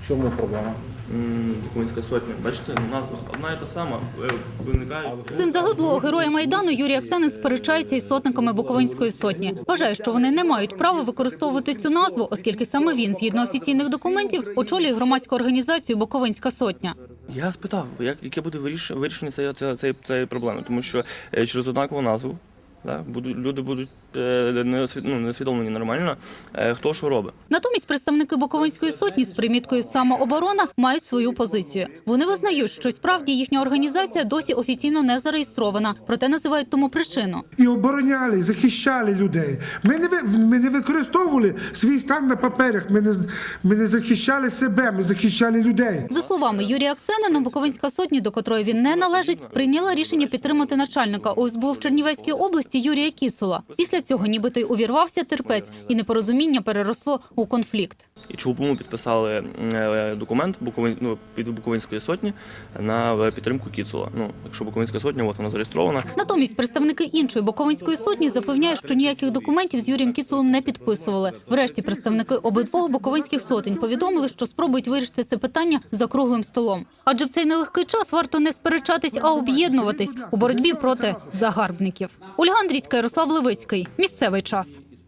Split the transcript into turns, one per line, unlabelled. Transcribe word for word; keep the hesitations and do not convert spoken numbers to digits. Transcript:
Чому проблема?
Буковинська сотня. Бачите, назва одна і та сама виникає.
Син загиблого героя Майдану Юрій Аксенин сперечається із сотниками Буковинської сотні. Вважає, що вони не мають права використовувати цю назву, оскільки саме він, згідно офіційних документів, очолює громадську організацію «Буковинська сотня».
Я спитав, як, яке буде виріш- вирішення цієї, цієї, цієї проблеми, тому що е, через однакову назву да, будуть, люди будуть е, не, освід- ну, не освідомлені нормально, е, хто що робить.
Натомість представники Буковинської сотні з приміткою «Самооборона» мають свою позицію. Вони визнають, що справді їхня організація досі офіційно не зареєстрована, проте називають тому причину.
І обороняли, і захищали людей. Ми не, ви- ми не використовували свій стан на паперах, ми не, з- ми не захищали себе, ми захищали людей.
За словами Юрія Аксенина, Буковинська сотня, до котрої він не належить, прийняла рішення підтримати начальника о ес бе у в Чернівецькій області Юрія Кісула. Після цього нібито й увірвався терпець, і непорозуміння переросло у конфлікт.
І чому підписали е, документ Буковин, ну, від Буковинської сотні на підтримку Кіцула. Ну, якщо Буковинська сотня, от вона зареєстрована.
Натомість представники іншої Буковинської сотні запевняють, що ніяких документів з Юрієм Кіцулом не підписували. Врешті представники обидвох буковинських сотень повідомили, що спробують вирішити це питання за круглим столом. Адже в цей нелегкий час варто не сперечатись, а об'єднуватись у боротьбі проти загарбників. Ольга Андрійська, Ярослав Левицький. Місцевий час.